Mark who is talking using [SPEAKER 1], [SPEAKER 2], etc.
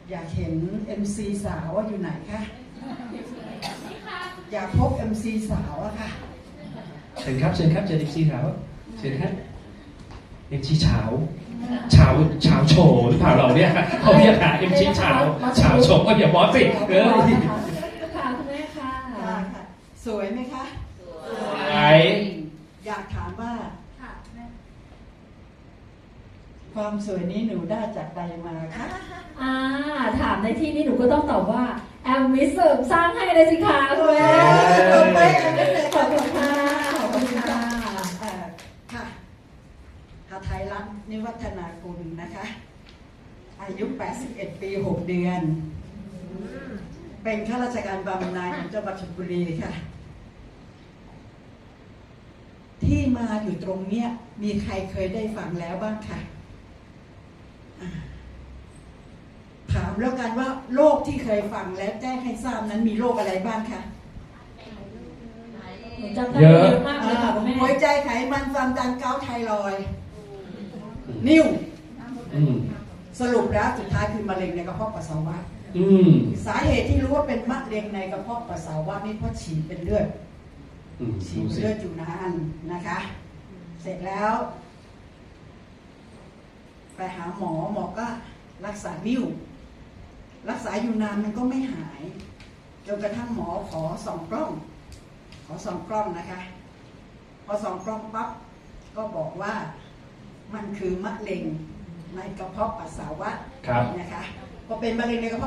[SPEAKER 1] อยากเห็น MC สาวว่าอยู่ไหนคะอยากพบ MC สาวอะค่ะ
[SPEAKER 2] เชิญครับเชิญครับเชิญ MC สาวเชิญครับ MC เฉาโชว์หรือเปล่าเราเนี่ยเขาเรียกหา MC เฉาโชว์ก็อย่าบอสสิ
[SPEAKER 3] ค่ะคุณแม่ค่ะ
[SPEAKER 1] สวยไหมคะ
[SPEAKER 2] สวย
[SPEAKER 1] อยากถามว่าความสวยนี้หนูได้จากใดมาคะ
[SPEAKER 3] ถามในที่นี้หนูก็ต้องตอบว่าแอมมิสเสริมสร้างให้เลยสิคะคุณแม่
[SPEAKER 1] ขอบคุณ
[SPEAKER 3] ค่ะขอบคุณค่ะ
[SPEAKER 1] ค่ะหาไทยรัฐนิวัฒนากุลนะคะอายุ81 ปี 6 เดือนเป็นข้าราชการบำนาญของจังหวัดชลบุรีค่ะที่มาอยู่ตรงเนี้ยมีใครเคยได้ฟังแล้วบ้างค่ะถามแล้วกันว่าโรคที่เคยฟังและแจ้งให้ทราบนั้นมีโรคอะไรบ้างคะ
[SPEAKER 3] เยอะมากเลยค่ะคุณแม่
[SPEAKER 1] หัวใจไขมันความดันเกาต์ไทรอยด์นิ่วสรุปแล้วสุดท้ายคือมะเร็งในกระเพาะปัสสาวะสาเหตุที่รู้ว่าเป็นมะเร็งในกระเพาะปัสสาวะนี่เพราะฉีดเป็นเลือดอยู่นานนะคะ เสร็จแล้วไปหาหมอก็รักษานิ่วรักษาอยู่นานมันก็ไม่หายจนกระทั่งหมอขอส่องกล้องนะคะพอส่องกล้องปั๊บก็บอกว่ามันคือมะเร็งในกระเพาะปัสสาวะนะคะพอเป็นมะเร็งในกระเพาะ